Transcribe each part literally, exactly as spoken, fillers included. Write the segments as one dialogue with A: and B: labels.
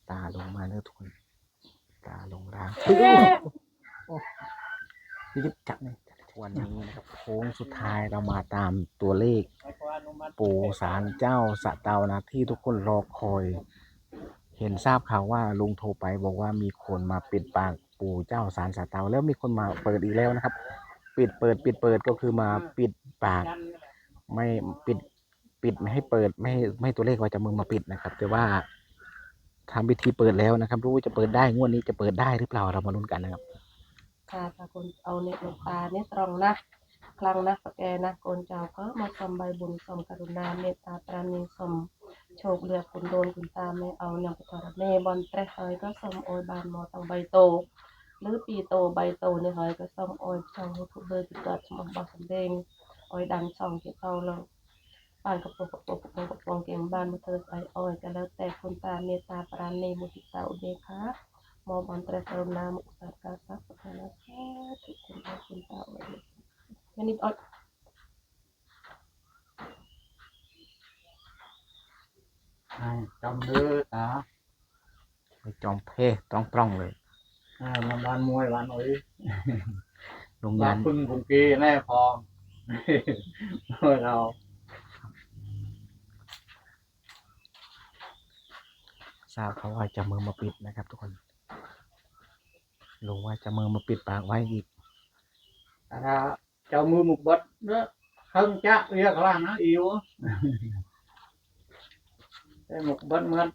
A: ตาลงมาเนื้อทุกคนตาลงร่างนี่จะจับเนี่ยวันนี้นะครับโค้งสุดท้ายเรามาตามตัวเลขปู่ศาลเจ้าสะเตานะที่ทุกคนรอคอย เห็นทราบข่าวว่าลุงโทรไปบอกว่ามีคนมาปิดปากปู่เจ้าศาลสะเตาแล้วมีคนมาเปิดอีกแล้วนะครับ ปิดเปิดปิดเปิดก็คือมาปิดปากไม่ปิดปิดไม่ให้เปิดไม่ให้ไม่ให้ตัวเลขว่าจะมึงมาปิดนะครับ แต่ว่าทำพิธีเปิดแล้วนะครับรู้ว่าจะเปิดได้งวดนี้จะเปิดได้หรือเปล่าเรามาลุ้นกันนะครับ
B: ค่ะถ้าคนเอาเน็ตลูกตาเนี่ยตรงนะครั้งนะปะแกนะโกนเจ้าก็มาสมใบบุญสมกรุณาเมตตาปราณีสมโชคเรือคุณโดนคุณตาไม่เอานำไปทอดเมบอลเตะเฮยก็สมโอยบานมอตังใบโตหรือปีโตใบโตเนี่ยเฮยก็สมโอยช่องทุกเบอร์ติดต่อสมบัติสำเร็จโอยดังช่องเกี่ยวเตาลงบ้านกระโปงกระโปงกระโปงกระโปงเก่งบ้านมาเธอใส่โอยก็แล้วแต่คุณตาเมตตาปราณีมุทิตาอุเบกขามอบอันตรายกรุณามุสากาสัพพะนะสาธุคุณพระคุณเจ้าเลยไม่นิดอด
C: จำเด้อตา
A: จอมเพ่ต้องปล้องเลย
C: มาบ้านมวยบ้านโอ้ย
A: โรงาน
C: บ้ายพึ่งผงกีแน่พอเรา
A: ทราบเขาว่าจะมือมาปิดนะครับทุกคนลุงว่าจะมือมาปิดปากไว้อีก
C: ถ้าเจ้ามือหมุกบัดเด้อข้างจักเรียกล่างนะอิวได้หมุกบัดเหมือน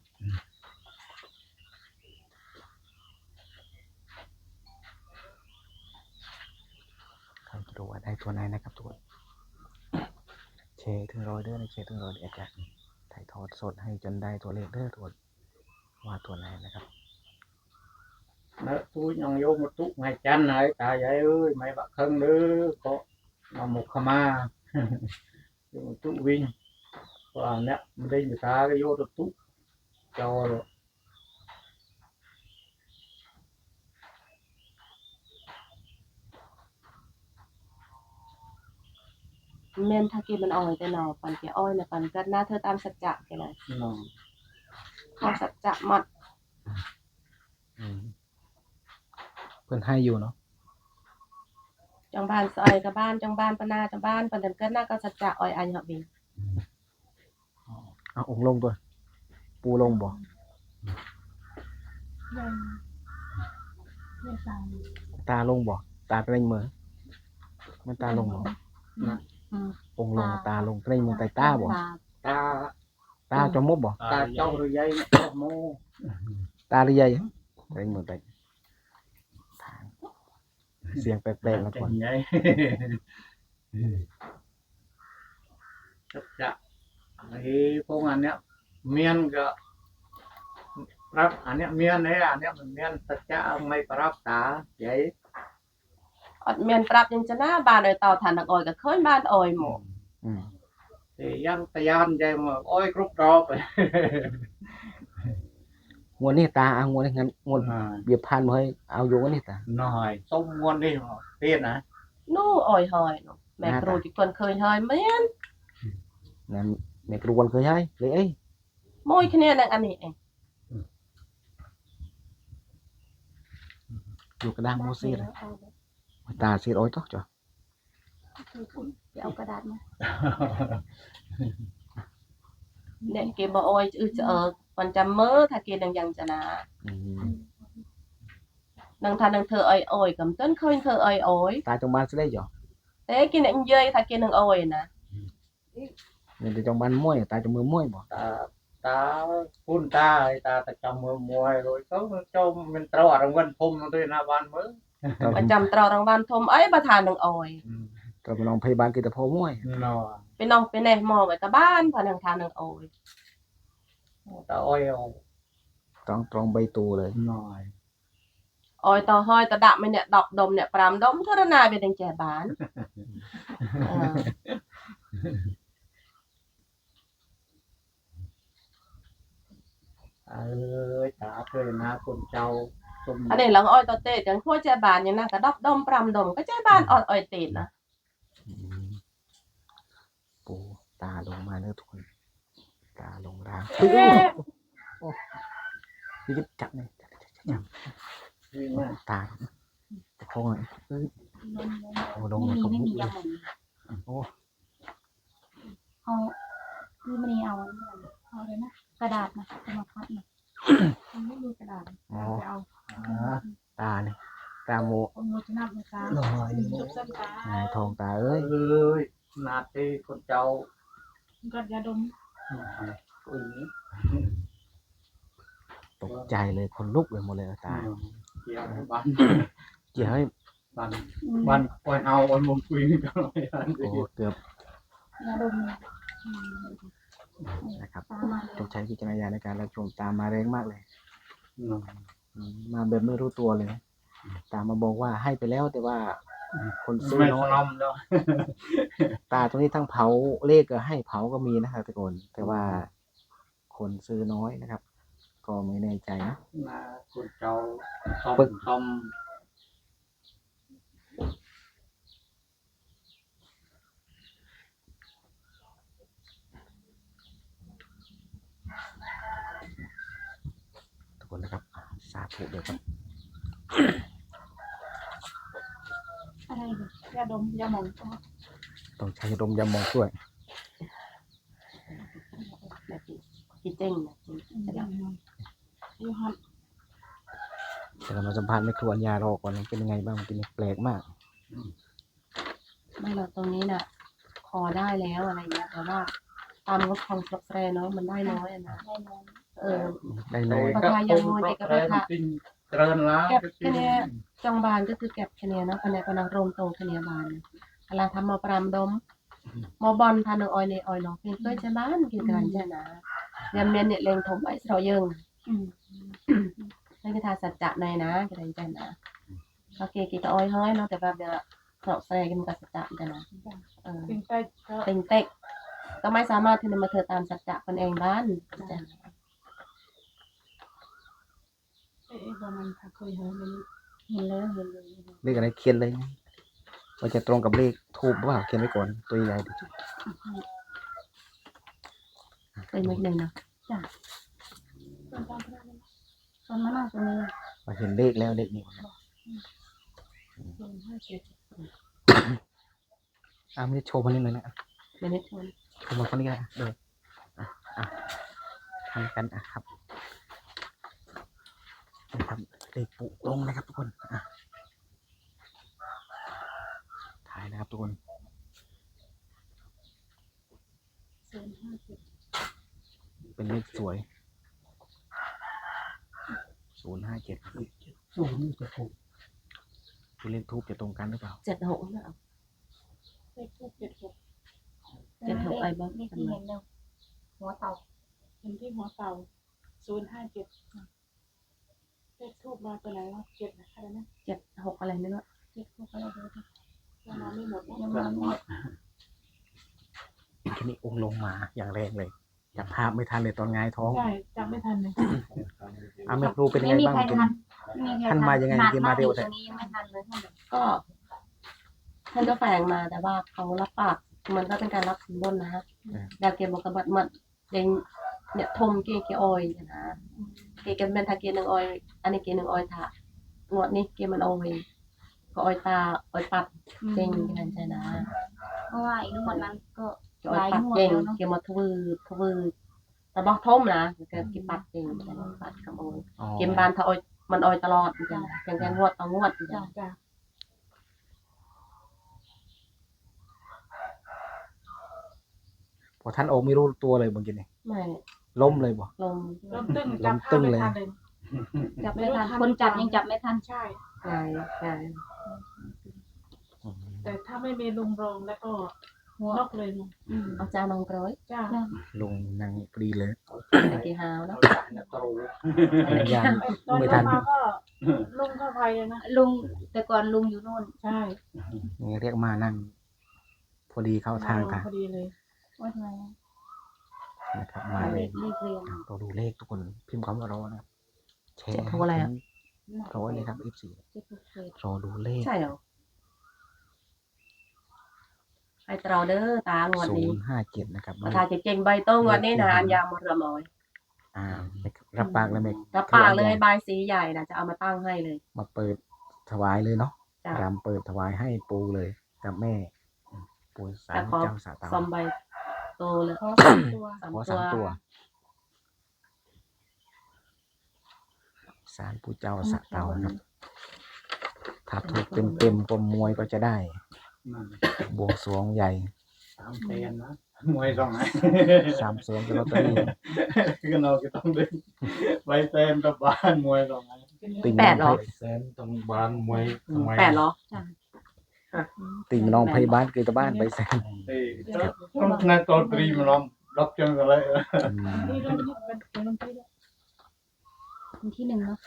A: ใครจะดูว่าได้ตัวไหนนะครับทุกคนเชถึงร้อยเด้อในเชถึงร้อยอาจารย์ถ่ายทอดสดให้จนได้ตัวเลขเด้อทุกคนว่าตัวไหนนะครับ
C: เนื้อtúi nhong vô một tụ ngày chăn này ta vậy ơi mấy bạn thân nữa có mà một khama một tụ vinh và nè đây người ta cái vô được tụ cho rồi
B: เมนถ้ากินมันอ่อยแต่หนอปันแกอ้อยนะปันก็น่าเธอตามสัจจะแกเลยตามสัจจะมัด
A: เพื่อนให้อยู่เนาะ
B: จังบ้านซอยกับบ้านจังบ้านปนาจังบ้านปันเดินก็น่าก็สัจจะอ้อยอันเหรอบิง
A: เอาองค์ลงตัวปูลงบ่ตาลงบ่ตาเป็นมือมันตาลงบ่องค์ลงตาลงเป็นมือไตตาบ่
C: ตา
A: ตาจมมบบ่
C: ตาเจ้าหรือยัยโม
A: ตาหรือยัยเป็นมือไตเสียงแปลกๆแล้วก่อน
C: สัจจะไอ้พวกอันเนี้ยเมียนก็รับอันเนี้ยเมียนเนี่ยอันเนี้ยมันเมียนสัจจะไม่ปรับตาใหญ่
B: อดเมียนปรับยังจะหน้าบ้านโดยเตาถ่านอ่อยก็เคยบ้านอ่อยหมด
C: thì dân tây an vậy mà ôi group đóไป
A: งวดนี้ตาเอางวดนี้งั้นงวดเบียบพันมาให้เอาอยู่วันนี้ตา
C: หน่อยต้มงวดนี่เตี้ยนะ
B: นู่อ่อยหอยแม่ครูที่คนเคยหอยเมียน
A: นั่นแม่ครูคนเคยให้เลยเอ้ย
B: มวยคะแนนอันนี้เอง
A: อยู่กระด้างโมซี่เลยตาสีร้อยต๊อกจ้ะ
B: เอากระดาษมาเนี่ยเก็บบ่อ้อยอือจะเออมันจำเมื่อถ้าเก็บดังยังจะนะนังทานนังเธออ้อยอ้อยกับต้นเคยเธออ้อยอ้อย
A: ตาจงบ้านจะได้จ้ะ
B: แต่กินเนี่ยเยยถ้ากินนังอ้อยนะ
A: เนี่ยจะจงบ้านมวยตาจงมือมวยบ่
C: ตาตาพุ่นตาตาตาจำมือมวยrồiเขาเจ้ามันตรอรางวัลพมด้วยนะบ้านมือ
B: มันจำตรอรางวัลทมไอ้ประธานนังอ้อย
A: ก็ไปน้องพยาบาลกิตพอมวย
B: ไปน้องไปแน่หมอไว้กับบ้านพนังทานนังอ้อย
C: ตาอ้อย
A: ต้องตรองใบตูเลย
C: หน่อย
B: อ้อยต่อห้อยต่อดับไม่เนี่ยดอกดมเนี่ยปรามดมเท่านาเป็นดังแจบ้าน
C: เออตาเคยนะคนเจ้า
B: อันนี้หลังอ้อยต่อเตะจังขั้วแจบ้านอย่างนั้นก็ดอกดมปรามดมก็แจบ้านอ้อยอ้อยเตะนะ
A: ปูตาลงมาเนื้อทุกคนตาลงร่างพี่จะจับเลยจับจับจับ
C: วิ่งมา
A: ตาจะคงเลยเอ้ยโอ้ลง
D: ไม่
A: เลย
D: มี
A: ก็
D: ไม่
A: มุ
D: มี
A: กเลย
D: ยำหมด
A: โอ้
D: เอาคือมันเอาอันนี้เอาเลยนะกระดาษนะจะมาพัดนะมันไม่มีกระดาษ
A: อ๋อ
D: ไปเอา
C: อ่า
A: ตาเนี่ยตาโม
D: เอาโมชนะนะจ๊ะ
C: หน่อย
D: จบเส้นตา
A: หายทองตาเอ้ย
C: เอ้ยนาทีคนเจ้า
D: กัดยาดม
C: อุ้ย
A: ตกใจเลยคนลุกเลยหมดเลยตา
C: เกี่ยวบ้าน
A: เกี่ยวให้
C: บ้านบ้านปล่อยเอาวันมุมคุยกันเลยอัน
A: โอ้
C: นี้
A: เกือบ
D: ยาดม
A: นะครับ
D: ตามมาเล
A: ต้อย งใช้วิจารณญาณในการรับชมตามมาแรงมากเลย
C: อืม
A: อืมมาแบบไม่รู้ตัวเลย ตามมาบอกว่าให้ไปแล้วแต่ว่าคนซื้อ
C: ไม่
A: น้
C: ส
A: อย
C: นอมเนาะ
A: ตาตรงนี้ทั้งเผาเลขก็ให้เผาก็มีนะครับทุกคนแต่ว่าคนซื้อน้อยนะครับ ก็ไม่แน่ใจนะ
C: นาคนเจ้าต้ม
A: ปึ๊ก
C: ต้ม
A: ทุกคนนะครับอ่ะสาธุเดี๋ยวครับ
D: อะไรเนี่ยยาดมยาหมองก็
A: ต้องใช้ลมยามองช่วย
B: แบบจีเจ้งนะจี
D: ยาหมองยูฮัน
A: เดี๋ยวเรามาสัมภาษณ์แม่ครัวอัญญารอก่อนเป็นยังไงบ้างกินแปลกมาก
B: ไม่เราตรงนี้น่ะคอได้แล้วอะไรเงี้ยแต่ว่าตามงบของสแตรเนาะมันได้น้อยอะนะ
D: ได้นอน
B: เออ
A: ได้น้อย
B: ประทานยังมวยเอกภาพ
C: จริงเจริญแล้ว
B: แก็บแค่เนี้ยจังบานก็คือแก็บแค่เนี้ยเนาะภายในปนังรมตรงแค่เนี้ยบานเวลาทำมาปรามดมมอบอลทานออยในออยเนาะเพียงเคยใช้บ้านกินกันใช่นะยำเนียนเนี่ยเลงถมไอ้สรอยิง
D: อืม
B: นั่นคือทาสัจจะในนะกันใช่นะโอเคกี่ตะออยเฮ้ยเนาะแต่แบบเนี้ยเสาะแสดงกันกับสัจจะกันนะเออ
D: เป็นไปก็
B: เป็นเต็กก็ไม่สามารถที่จะมาเธอตามสัจจะคนเองบ้านจ้ะ
D: เอ๊ะประมาณถ้าเคยเห็นมันเห็นเลยเห็นเลย
A: เลขอะไรเขียนเลยนะว่าจะตรงกับเลขทูบหรือเปล่าเขียนไว้ก่อนตัวใหญ่ดิ
B: เคยมาหนึ่งเนาะ
D: ตอนนั้นตรงนี้
A: ว่าเห็นเลขแล้วเลขนี้
D: ศูนย์ห้าเจ็ด
A: อ่ะไม่ได้โชว์มันนิดหน่อยนะ
B: ไม่ได้ชน
A: โชว์มาคนนี้ก็ได้เอออ่ะอ่ะทำกันอ่ะครับนะครับเลขปุตรงนะครับทุกคนอ่ะถ่ายนะครับทุกคน
D: ศูนย์ห้าเจ็ด
A: เป็นเลขสวยศูนย์ห้าเจ็ด
C: สูงจะถูก
A: คือเลขทูบจะตรงกันหรือเปล่า
B: เจ็ดหกเนาะ
D: เลขทูบเจ็ดหก
B: เจ็ดหกไอ้บ้าง
D: นี่
B: กัน
D: ที่
B: มา
D: เห็นแล้วหัวเต่าเห็นที่หัวเต่าศูนย์ห้าเจ็ดเลขทูบมาตัวไหนวะเจ็ดอะไรนะ
B: เจ็ดหกอะไรไม่รู้
D: เจ็ดทูบอะไรดูดิยังมาไม่หมดนะ
C: ยั
D: ยัง ง
C: มา
D: มา
C: ไม่
D: ไม่
C: ห
D: ห
C: ม
D: ม
C: ด
D: ด
A: ทีนี้องค์ลงมาอย่างแรงเลยจับภาพไม่ทันเลยตอนหงายท้อง
D: ใช่จำไม่ทันเลย
A: อ่ะไม่รู้เป็นยังไงบ้างกิน ท่านมายังไงที่มาเร็วแต่
D: ตรงนี้ยังไม่ทันเลยท่านแบบ
B: ก็ท่านก็แฝงมาแต่ว่าเขารับปากมันก็เป็นการรับสินบนนะฮะดาวเกมบอกกับบัดมัดเดงเนี่ยทมเกเกออยนะเกเกเป็นทาเกหนึ่งออยอันนี้เกหนึ่งออยถะงวดนี้เกมันออยก็ออยตาออยปัดเจงกันใช่นะ
D: เพราะว่าอีกงวดนั้นก็
B: ออยปัดเจงเกมาทวือทวือแต่บอกทมนะเกเกปัดเจงปัดกับออย
A: อ๋อ
B: เกมบานถ้าออยมันออยตลอดจ้ะอย่างแกงวดต่องวด
D: จ้า
B: จ้ะ
D: จ้า
A: พอท่านโอไม่รู้ตัวเลยบางทีนี่
B: ไม่
A: ล้มเลยบ่
B: ลม
D: ลมตึ้ง
A: ลมตึ้งเลย
D: จับไม่ทันคนจับยังจับไม่ทันใช่
B: ไงไง
A: อืม
D: แต่ถ้าไม่มีลุงรองแล้วก็นอกเลยมั้ง
B: เอาจานนองกร้อย
D: จ้า
A: ลงนางปรีเลย
B: ตะกี้หาวแล้ว
C: ตรู
A: ยัง
D: ตอน
A: ไม่
D: เข้า
A: ทัน
D: มาก็ลุงเข้าไปเลยนะ
E: ลุงแต่ก่อนลุงอยู่นู่น
D: ใช่
A: นี่เรียกมานั่ง พอดีเข้าทางค่ะ
D: พอดีเลย
E: ว่าทำไมอะ
A: นะครับมาเล
E: เลย ขเลขเรียน
A: เราดูเลขทุกคนพิมพ์คำว่ารอนะครับแชร์
B: เจ็ดโทรอะไรอ่ะ
A: ร้อยเลยครับ เอฟ ซี
E: เจ็ดหกเจ็ด
A: รอดูเลข
B: ใช่เหรอไอเตราเด้อตางวด
A: ศู
B: นี้
A: นย์ห้าเจ็ดนะครับ
B: มาทาจะเจงใบโต้งวดนี้นะอันยาวหมดละมอย
A: อ่าไม่รับปากเลยไม่
B: รับปากเลยบายสีใหญ่นะจะเอามาตั้งให้เลย
A: มาเปิดถวายเลยเนาะ
B: จ้ะ
A: รำเปิดถวายให้ปูเลยกับแม่อืมปูสา
B: แต่
A: ร
B: ขอ
A: เจ้าสาเตา
B: ซอมใบโตเลย
D: ขอสามตัว
B: สาม
A: ขอ
B: ตั
A: สาว มตัวสารปูเจ้าสาเตานะครับถ้าถูกเต็มเต็มๆก็มวยก็จะได้
C: นั่น
A: บวงสรวงใหญ่
C: สามแสนนะมวยสองไหน
A: สามแสนกับลอตเตอรี่
C: ก็เราก็ต้องดึงไปเต็มกับบ้านมวยสองไหน
A: ติ่ง
B: แปดเหรอ
F: แสนตรงบ้านมวยทำไม
B: แปดเหรอ
A: ติ่งน้องพยาบาลคือตะบ้านไปแสน
C: เอ้ยต้องนั่นตัวตรีมันล้อมล็อกจังเลย
A: อืม
D: ที่ลงที่เป็นเป็นลงที่ด้วย
E: วันที่หนึ่งเนาะ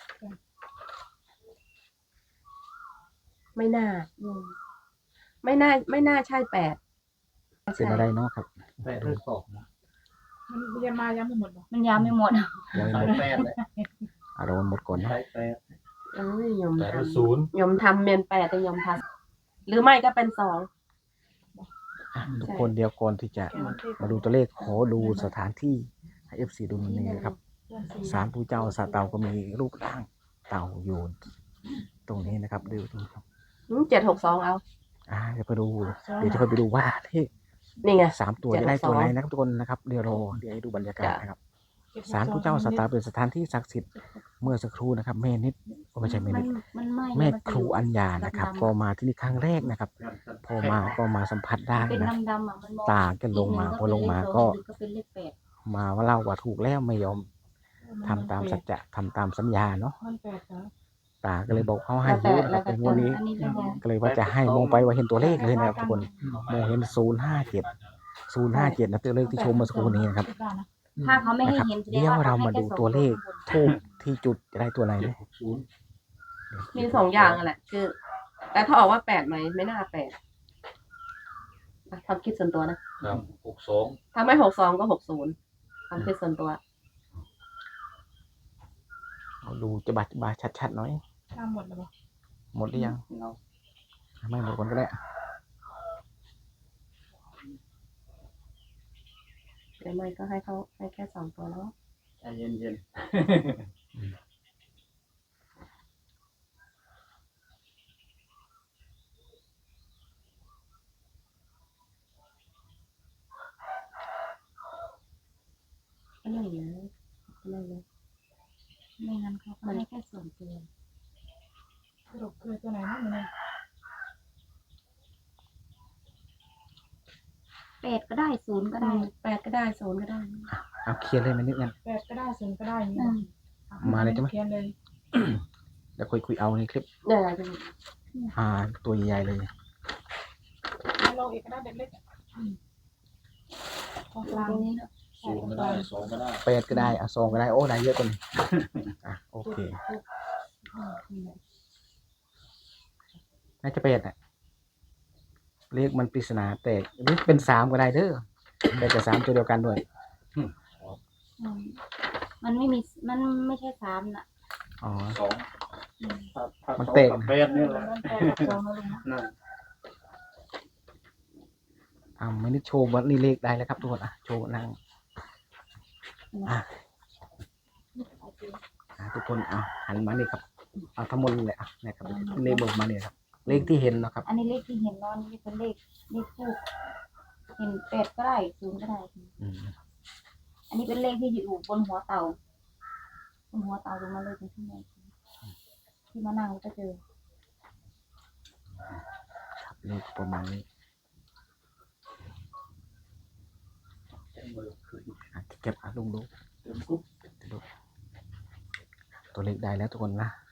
B: ไม่น่า ไม่น่า ไม่น่าใช่แปด
A: เป็นอะไรเนาะครับ
C: แปดหรือสองนะ
D: มันยังมายังไม่หมดหรอ
E: มันยาวไม่หมด
A: ยัง
C: สา
A: ไม่
C: ย
A: หมด
C: แปดเลย
A: อารมณ์หมดก่อนเนาะ
C: สายแปด
B: เอ้ยยม
F: แปด
B: ท
F: หรือศูนย์
B: ำยมทำเมียนแปดแต่ยมทำหรือไม่ก็เป็นสอง
A: อ่ะทุกคนเดียวก่อนที่จะมาดูตัวเลขขอดูสถานที่ให้เอฟซีดูนี่นะครับศาลปู่เจ้าสาเตาก็มีรูปร่างเต่าอยู่ตรงนี้นะครับดูดูครับ
B: เจ็ดหกสองเอา
A: อ่าเดี๋ยวไปดูเดี๋ยวจะไปดูว่าเลข
B: นี่ไง
A: สามตัวจะได้ตัวไหนนะครับทุกคนนะครับเดี๋ยวรอเดี๋ยวให้ดูบรรยากาศนะครับศาลปู่เจ้าสาเตาเป็นสถานที่ศักดิ์สิทธิ์เมื่อสักครู่นะครับแม่นิดก็ไม่ใช่แม่
E: มั
A: นิ
E: น
A: ด
E: มันไหม้
A: แม่
E: นจะ
A: ครู
E: ยู่
A: อัญญานะครับก็มาที่นี่ครั้งแรกนะครับ พอมาก็มาสัมผัสได้
E: เป็น
A: นะ
E: ดำๆอ่ะมันมอง
A: ตาก็ลงมาพอลงมาก็
E: ก็เป็นเลขแปด
A: มาว่าเล่าว่าถูกแล้วไม่ยอมทำตามสัจจะทำตามสัญญาเนาะ
D: มันแปดเหรอ
A: ตาก็เลยบอกเขาให้
B: แล้วแต่
A: เยอะนะครับ
B: แล้วแต่
A: เป็นงวดนี้
E: อันนี้เป็นไง
A: ก็เลยว่าจะให้มองไปว่าเห็นตัวเลขเลยนะครับทุกคนมองเห็นศูนย์ห้าเจ็ดศูนย์ห้าเจ็ดนะตัวเลขที่ชมเมื่อสักครู่นี้นะครับ
E: ถ้าเขาไม่ให้
A: นะครับ
E: เห็นแสดง
A: เดี๋ยว
E: ว่า
A: เรา
E: ขให้
A: มาดู
E: แค่
A: ตัวเลข
E: สอง
A: ทูบที่จุดจะได้ตัวไหน
F: เจ็ด
A: นะ
F: หกศูนย์
B: มีสองอย่างอะแหละ คือ แต่ถ้าออกว่าแปดไหมไม่น่าแปดอ่ะความคิดส่วนตัวนะครับ
F: หกสอง
B: ถ้าไม่หกสองก็หกศูนย์ความคิดส่วนตัว
A: เอาดูจะบัดบาชัดๆหน่อย
D: ทำหมดแล้วบอก
A: หมดหรือยัง
C: เงา
A: ไม่หมดคนก็ได้
B: หรือไม่ก็ให้เขาให้แค่สองตัวแล้ว
C: ใจเย็นเย็น
B: ก็นั่นนะก็นั่นนะ
E: ไม่งั้นเขาก็ให้แค่สองตัว
D: สรุปคือตัวไหนนะมันเนี่ย
E: แปดก็ได้ศูนย์ก็
B: ก็
E: ได้
B: ได้แปดก็ได้ศูนย์ก็ได้
A: เอาเคลียร์เลยมันนิดนึง
D: แปดก็ได้ศูนย์ก็ได้นี่
E: อืม
A: มาเลยใช่ไหม
D: เขียนเลย
A: เดี๋ยวคุยคุยเอาในคลิป
B: เนี่ยอะไรจะ
A: อ่าตัวใหญ่ๆเลย
D: แล้วเราเอกก็ได้เล็กๆอ่ะอืมตรงกลาง
B: ตรงนี้นะ
F: ศูนย์ก็ได้สองก็ได้
A: แปดก็ได้อ่ะสองก็ได้โอ้ได้เยอะกว่านี้อ่ะโอเคน่าจะแปดอ่ะเลขมันปริศนาแตกหรือเป็นสามก็ได้เด้อแต่จะสามตัวเดียวกันด้วย
E: อืมมันไม่มีมันไม่ใช่สามน่ะ
A: อ๋อ
C: สองถ้าถ้า
A: มัน
C: สอง
A: เตะ
C: กับแปดนี่แหละ
D: มันแปดกับสองแล้วลุงนะ
C: นั่น
A: อ่าไม่ได้โชว์ว่านี่เลขได้แล้วครับทุกคนอ่ะโชว์นั่งอ่ะอ่ะทุกคนอ่ะหันมานี่ครับเอาทั้งหมดเลยอ่ะนะครับเลขเบิกมาเนี่ยครับ เลขที่เห็นเนาะครับ
E: อันนี้เลขที่เห็นเนอนนี่เป็นเลขเลขคู่เห็นแปดก็ได้ศูนย์ก็ได้
A: อืม
E: อันนี้เป็นเลขที่อยู่บนหัวเต่าบนหัวเต่าลงมาเลยเป็นที่ไหนที่มานั่งก็เจอ
A: ครับเลขประมาณนี้อ่ะเก็บอ่ะลุงดู
C: เต็มกุ๊บ
A: ดูตัวเลขได้แล้วทุกคนนะ